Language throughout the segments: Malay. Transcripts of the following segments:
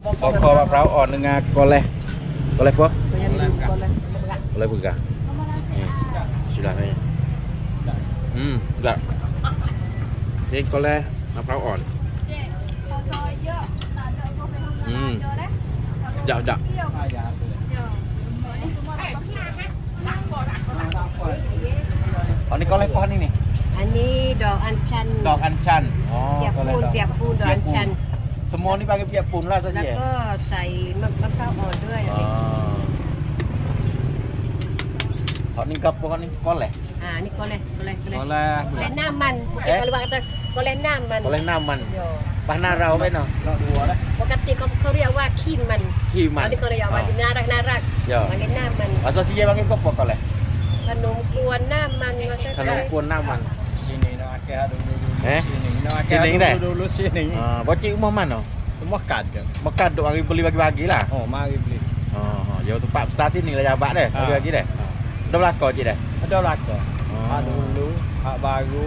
Bokor maperaw on dengan koleh. Koleh apa? Koleh buka. Sudah ni. Dah. Ni koleh maperaw on. Jap. Oh ni koleh pohon ini. อันนี้ดอกอัญชัน Dok anchan. Oh, เปียกปูนดอกอัญชัน Semua ni panggil piak pun lah แล้ว saja. ก็ใส่มะพร้าวอ่อนด้วย Hak ni kapo hak ni koleh. นี่ก็เลย Koleh. น้ำมันkalau kata ก็เลยน้ำมัน Koleh naman. Bahna rauไปเนาะปกติเขาเรียกว่าขี้มันขี้มันอันนี้ก็เรียกว่าน่ารัก Ya. มันเป็นน้ำมัน Atau si panggil kapo koleh. ขนมกวนน้ำมันมา Kalau kuon naman. Sini nak akak dulu. Sini nak Sini dah. akak dulu sini. Bocik rumah mana? Makan je. Makan duk hari beli bagi-bagi lah. Oh, mari beli. Yo tempat besar sini lah jabat deh. Bagi-bagi deh. Dah belakang cik dah. Ada belakang. Hak dulu, hak baru.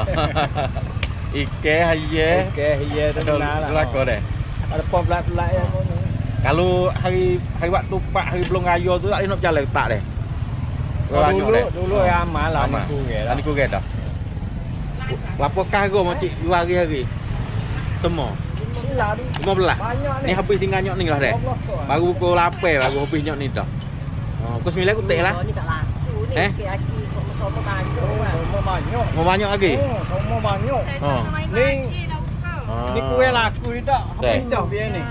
Ike haye. Okey, ya tu lah. Belakang deh. Ada pom belak-belak yang mana. Kalau hari waktu Pak hari belum raya tu tak boleh nak berjalan tak deh. Dulu yang amal lah ni kurang lah. Ni kurang dah. Berapa kargo macik dua hari-hari? Temu. 15. Banyak Ni habis tinggal nyok ni lah deh. Baru pukul 8 baru habis nyok ni dah. Pukul 9 aku tak lah. นี่ก็laku ni aki sama banyak Semua banyak. Mau banyak lagi? Semua banyak. Ni ni kurang laku tak. Habis dah biar ni.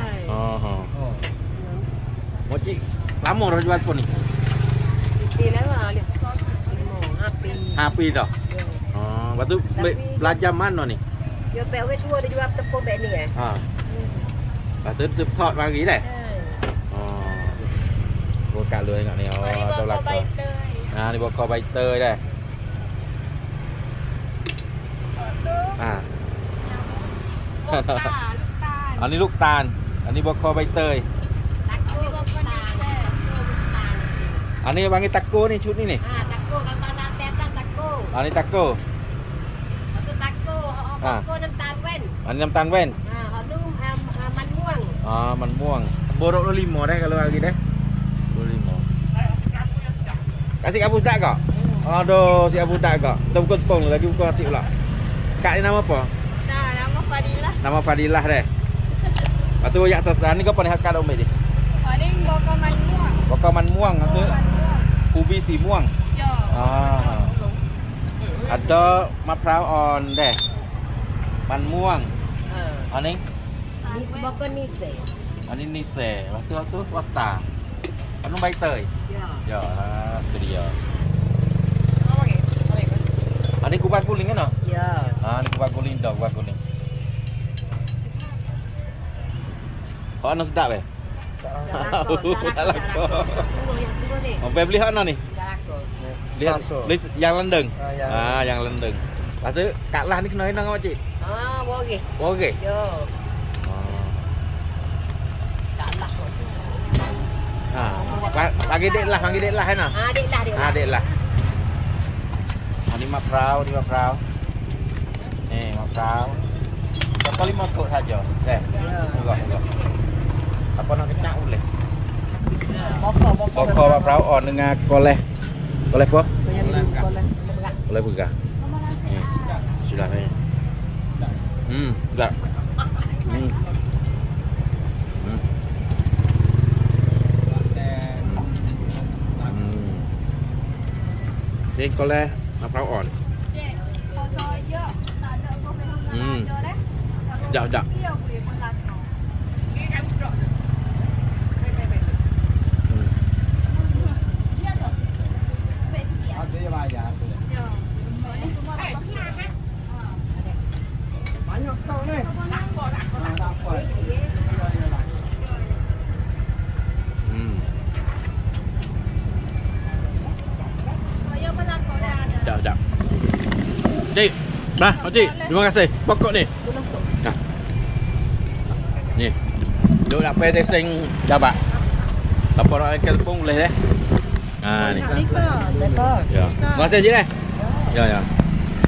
Macik lama dah jual pun ni. ปีแล้วอ่ะเนี่ย5 ปี 5 ปีdah. Lepas tu belajar mana ni? dia pe we tua dia jual tepungแบบนี้ไง Lepas tu tu thọt mari dah. Gua kat lu tengok ni. Tau belakang. Ni bokor bai tơi dah. Ni luk tan. Ni bokor bai tơi. Ni panggil tako ni cut ni ni. tako kalau nak tetan tako Ni tako. itu tako tako น้ำตาลแว่น Ni น้ำตาลแว่นเขาดูมันม่วงมันม่วง Borok 25 dah kalau hari dah. 25. Kasih Abu Dak kak? Aduh, si Abu Dak kak. Kita buka tepung lagi buka nasi pula. Kak ni nama apa? nama Fadilah Nama Fadilah deh. Lepas tu yak sosan ni kau pernah hakkan umi ni. ini bokor manม่วง Bokor man muang tu. Ubi si muang. Ada maperaw on deh. Man muang. Ni นี่บกนี่เส Ni nise. Lepas tu wata. Anu baik tơi. Ya, tu dia. Ni kubang kuning kan? ya Ni kubang kuning dah, kubang kuning. Kau anu sedap eh? Tak laku. Mau beli hak ni? Lihat yang lendeng. Yang lendeng. Lepas tu Kak Lah ni kena henang apa cik? boleh Okey. yo kalah Panggil dek lah kan? Dek lah. Ni maperaw. Ni maperaw. Kau 5 kot saja. Tengok. Apa nak kecak boleh? Bokor maperaw on dengan koleh. Koleh apa? Koleh buka. Sudah ni. Dah. Ni koleh maperaw on. Jap. Ada yang bayar tu. Banyak tau ni. Dapat. Jap. Cik. Nah, Cik. Terima kasih. Pokok ni. Nah. Ni. Duk nak pay testing jabat. Apa nak ikan tepung boleh ni. Ni. Bisa. Ya. Terima kasih Cik. Ya.